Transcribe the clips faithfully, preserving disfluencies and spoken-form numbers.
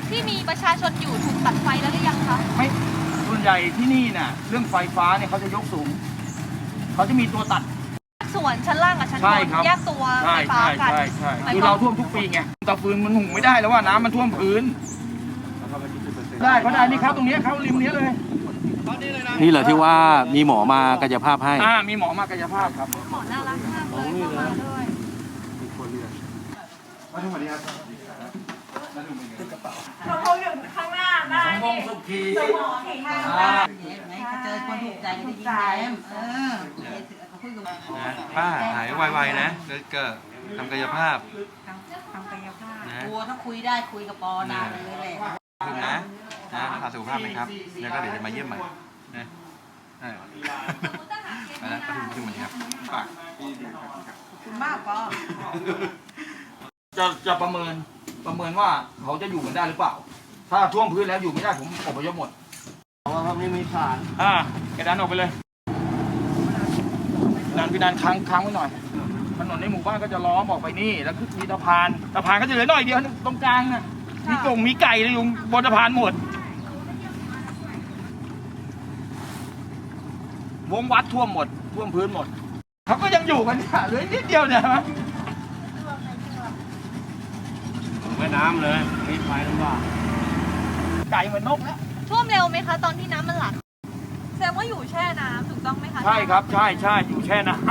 ที่มีประชาชนอยู่ถูกตัดไฟแล้วหรือยังคะไม่ส่วนใหญ่ที่นี่น่ะเรื่องไฟฟ้าเนี่ยเขาจะยกสูงเขาจะมีตัวตัดส่วนชั้นล่างกับชั้นบนแยกตัวไฟฟ้ากันใช่ใช่คือเราท่วมทุกปีไงเตาฟืนมันหุงไม่ได้แล้วว่าน้ำมันท่วมพื้นได้เขาได้นี่ครับตรงนี้เขาริมนี้เลยนี่เหรอที่ว่ามีหมอมากายภาพให้อ่ามีหมอมากายภาพครับหมอน่ารักมากเลยเข้ามาด้วยมาทุกวันนี้ครับเขาคงอยู่ข้างหน้าได้สมพงษ์สุขีสมพงษ์สุขีค่ะเจอคนถูกใจก็ได้ยิ้มแย้มเออเขาคุยกับป้าหายไวๆนะแล้วก็ทำกายภาพทำกายภาพกลัวถ้าคุยได้คุยกับปอนานเลยแหละคุณนะนะรักษาสุขภาพไหมครับแล้วก็เดี๋ยวจะมาเยี่ยมใหม่นะใช่ไปแล้วก็ถึงมันครับฝากคุณมากปอจะจะประเมินประเมินว่าเขาจะอยู่กันได้หรือเปล่าถ้าท่วมพื้นแล้วอยู่ไม่ได้ผมอพยพหมดเพราะว่าเขาไม่มีฐานอ่ากระดานออกไปเลยดันพี่ดันค้างค้างไว้หน่อยถนนในหมู่บ้านก็จะล้อมออกไปนี่แล้วคือมีสะพานสะพานก็จะเหลือหน่อยเดียวตรงกลางน่ะมีกงมีไก่เลยอยู่บนสะพานหมดวงวัดท่วมหมดท่วมพื้นหมดเขาก็ยังอยู่กันเนี่ยเหลือนิดเดียวเนี่ยมั้ยแม่น้ำเลยมีไฟลำบากไก่เหมือนนกแล้วท่วมเร็วไหมคะตอนที่น้ำมันหลากแสดงว่าอยู่แช่น้ำถูกต้องไหมคะใช่ครับใช่ใช่อยู่แช่น้ำ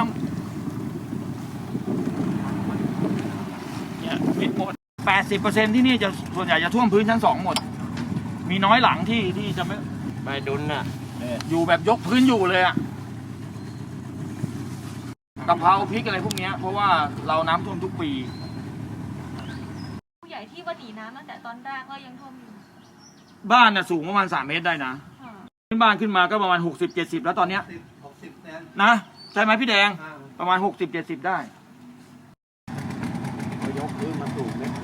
เนี่ยปิดหมดแปดสิบเปอร์เซ็นต์ที่นี่จะส่วนใหญ่จะท่วมพื้นชั้นสองหมดมีน้อยหลังที่ที่จะไม่ไม่ดุนน่ะอยู่แบบยกพื้นอยู่เลยอะกะเพราพริกอะไรพวกนี้เพราะว่าเราน้ำท่วมทุกปีผู้ใหญ่ที่ว่าหนีน้ำตั้งแต่ตอนแรกก็ยังท่วมอยู่บ้านน่ะสูงประมาณสามเมตรได้นะขึ้นบ้านขึ้นมาก็ประมาณหกสิบเจ็ดสิบแล้วตอนเนี้ยนะใช่ไหมพี่แดงประมาณหกสิบเจ็ดสิบได้ยกพื้นมาสูงเนี่ย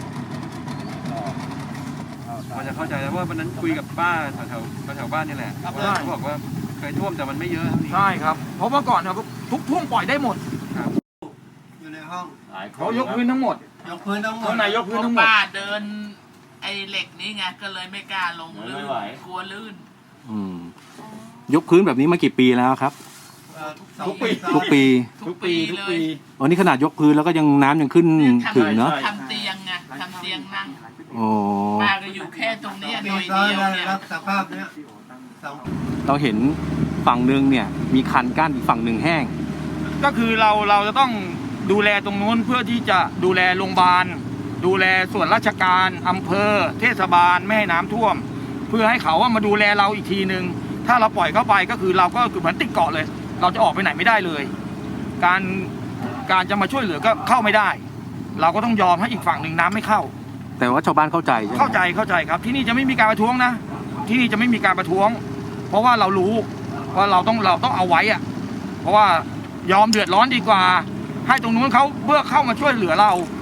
มันจะเข้าใจแล้วว่าวันนั้นคุยกับป้าแถวแถวบ้านนี่แหละเขาบอกว่าเคยท่วมแต่มันไม่เยอะเท่านี้ใช่ครับเพราะเมื่อก่อนเนี่ยทุกท่วมปล่อยได้หมดอยู่ในห้องเขายกพื้นทั้งหมดยกพื้นทั้งหมดข้างในยกพื้นทั้งหมดป้าเดินไอ้เหล็กนี้ไงก็เลยไม่กล้าลงลื่นกลัวลื่นอืมยกพื้นแบบนี้มากี่ปีแล้วครับทุกปีทุกปีทุกปีทุกปีอ๋อนี่ขนาดยกพื้นแล้วก็ยังน้ำยังขึ้นถึงเนาะทำเตียงไงทำเตียงนั่งโอ้ป้าก็อยู่แค่ตรงนี้หน่อยเดียวเนี่ยสภาพเนี้ยเราเห็นฝั่งหนึ่งเนี่ยมีคันกั้นอีกฝั่งหนึ่งแห้งก็คือเราเราจะต้องดูแลตรงนู้นเพื่อที่จะดูแลโรงพยาบาลดูแลส่วนราชการอำเภอเทศบาลไม่ให้น้ำท่วมเพื่อให้เขาว่ามาดูแลเราอีกทีนึงถ้าเราปล่อยเข้าไปก็คือเราก็คือเหมือนติดเกาะเลยเราจะออกไปไหนไม่ได้เลยการการจะมาช่วยเหลือก็เข้าไม่ได้เราก็ต้องยอมให้อีกฝั่งหนึ่งน้ำไม่เข้าแต่ว่าชาวบ้านเข้าใจเข้าใจเข้าใจครับที่นี่จะไม่มีการประท้วงนะที่นี่จะไม่มีการประท้วงเพราะว่าเรารู้ว่าเราต้องเราต้องเอาไว้อะเพราะว่ายอมเดือดร้อนดีกว่าให้ตรงนู้นเขาเพื่อเข้ามาช่วยเหลือเรา